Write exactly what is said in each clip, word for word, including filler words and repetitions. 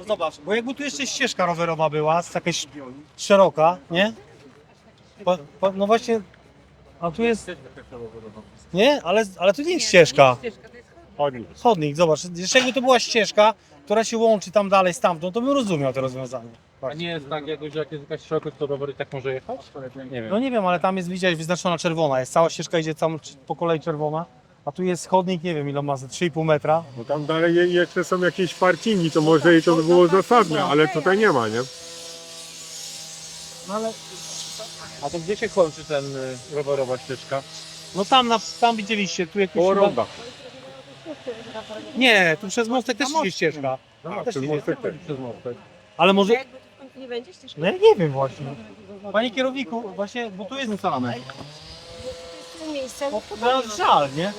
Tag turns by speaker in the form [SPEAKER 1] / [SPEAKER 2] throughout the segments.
[SPEAKER 1] No zobacz, bo jakby tu jeszcze ścieżka rowerowa była, jakaś szeroka, nie? Po, po, no właśnie, a tu jest... Nie? Ale, ale tu nie jest ścieżka.
[SPEAKER 2] Chodnik.
[SPEAKER 1] Chodnik, zobacz, jeszcze jakby to była ścieżka, która się łączy tam dalej stamtąd, to bym rozumiał to rozwiązanie.
[SPEAKER 2] A nie jest tak jakoś, że jak jest jakaś szerokość, to rower i tak może jechać? Nie wiem.
[SPEAKER 1] No nie wiem, ale tam jest, widziałeś, wyznaczona czerwona, jest cała ścieżka, idzie tam po kolei czerwona, a tu jest chodnik, nie wiem ile ma, trzy i pół metra.
[SPEAKER 3] Bo tam dalej je- jeszcze są jakieś parkingi, to może i to by było zasadne, ale tutaj nie ma, nie?
[SPEAKER 1] No ale,
[SPEAKER 2] A to gdzie się kończy ten y, rowerowa ścieżka?
[SPEAKER 1] no tam, na, tam widzieliście, tu jakieś...
[SPEAKER 3] Koło
[SPEAKER 1] chyba-
[SPEAKER 3] ronda.
[SPEAKER 1] Nie, tu przez mostek też idzie ścieżka.
[SPEAKER 3] A,
[SPEAKER 1] Też
[SPEAKER 3] ten
[SPEAKER 1] idzie.
[SPEAKER 3] mostek też.
[SPEAKER 2] Przez mostek.
[SPEAKER 1] Ale może...
[SPEAKER 4] Jakby tu w końcu nie będzie ścieżki?
[SPEAKER 1] No ja nie wiem właśnie. Panie kierowniku, właśnie, bo tu jest ustalane.
[SPEAKER 4] To jest miejsce,
[SPEAKER 1] No,
[SPEAKER 4] no,
[SPEAKER 1] no żal, nie?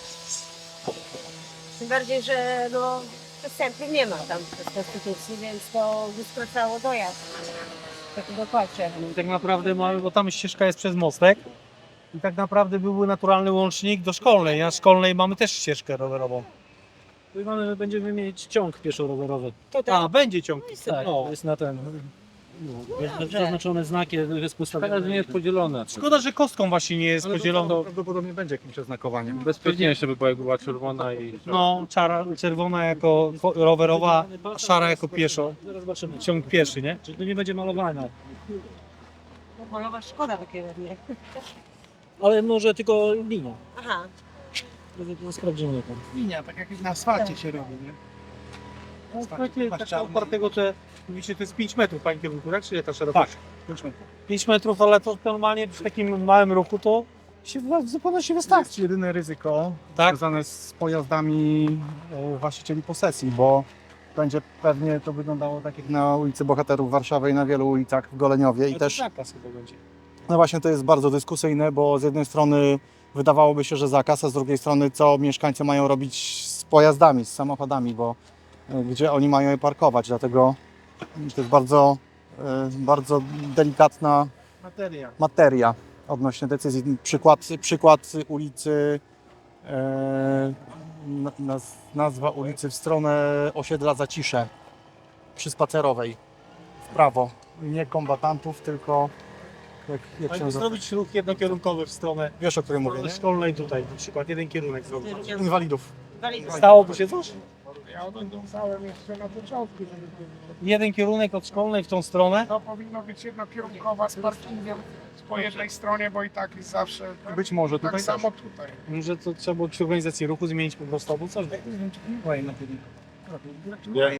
[SPEAKER 4] tym bardziej, że no, przestępnych nie ma tam w konstytucji, więc to by skracało dojazd. Tak dokładnie.
[SPEAKER 1] Tak naprawdę mamy, bo tam ścieżka jest przez mostek. I tak naprawdę byłby naturalny łącznik do szkolnej. Na szkolnej mamy też ścieżkę rowerową.
[SPEAKER 5] Tu mamy, będziemy mieć ciąg pieszo-rowerowy.
[SPEAKER 1] A, będzie ciąg.
[SPEAKER 5] Tak,
[SPEAKER 1] No.
[SPEAKER 5] to jest na ten. Jest zaznaczone znakiem, jest
[SPEAKER 2] Szkoda, że nie
[SPEAKER 5] postawione.
[SPEAKER 2] jest podzielone.
[SPEAKER 1] Szkoda, że kostką właśnie nie jest podzielona.
[SPEAKER 3] Prawdopodobnie będzie jakimś oznakowaniem.
[SPEAKER 2] Bezpieczniejsze by była, jakby była czerwona i...
[SPEAKER 1] No, czara, czerwona jako ko- rowerowa, a szara jako pieszo.
[SPEAKER 5] Zaraz zobaczymy.
[SPEAKER 1] Ciąg pieszy, nie?
[SPEAKER 5] Czyli to nie będzie malowane.
[SPEAKER 4] No, polowa szkoda takie ładnie.
[SPEAKER 5] Ale może tylko linia.
[SPEAKER 4] Aha.
[SPEAKER 5] To sprawdzimy to.
[SPEAKER 6] Linia, tak jak na asfalcie się robi, nie?
[SPEAKER 1] No, słuchajcie, tak opartego, że mówicie, to jest pięć metrów, panie kierunku, tak? Czy ta szerokość?
[SPEAKER 6] Tak.
[SPEAKER 1] pięć metrów, ale to normalnie przy takim małym ruchu to się w zupełności
[SPEAKER 6] To
[SPEAKER 1] wystarczy.
[SPEAKER 6] jest jedyne ryzyko
[SPEAKER 1] Tak?
[SPEAKER 6] związane z pojazdami e, właścicieli posesji, bo będzie pewnie to wyglądało tak jak na ulicy Bohaterów Warszawy i na wielu ulicach w Goleniowie. I
[SPEAKER 1] Ale
[SPEAKER 6] też,
[SPEAKER 1] to zakaz chyba będzie.
[SPEAKER 6] no właśnie to jest bardzo dyskusyjne, bo z jednej strony wydawałoby się, że zakaz, a z drugiej strony co mieszkańcy mają robić z pojazdami, z samochodami, bo e, gdzie oni mają je parkować, dlatego to jest bardzo, e, bardzo delikatna
[SPEAKER 1] Materia.
[SPEAKER 6] materia odnośnie decyzji. Przykład, przykład ulicy, e, na- naz, nazwa ulicy w stronę osiedla Zacisze przy Spacerowej w prawo. Nie kombatantów, tylko jak, jak
[SPEAKER 1] Ale
[SPEAKER 6] się nazywa?
[SPEAKER 1] zrobić ruch jednokierunkowy w stronę
[SPEAKER 6] Wiesz, o którym mówię, nie?
[SPEAKER 1] szkolnej tutaj, na przykład jeden kierunek zrobić.
[SPEAKER 6] Inwalidów.
[SPEAKER 1] Stałoby się coś?
[SPEAKER 7] Ja oglądałem jeszcze na początku, żeby
[SPEAKER 1] Jeden kierunek od szkolnej w tą stronę.
[SPEAKER 7] to powinno być jednokierunkowa z parkingiem po jednej stronie, bo i tak jest zawsze tak,
[SPEAKER 6] Być może
[SPEAKER 7] tak
[SPEAKER 6] tutaj
[SPEAKER 7] samo tutaj.
[SPEAKER 1] Może to trzeba było przy organizacji ruchu zmienić po prostu albo coś.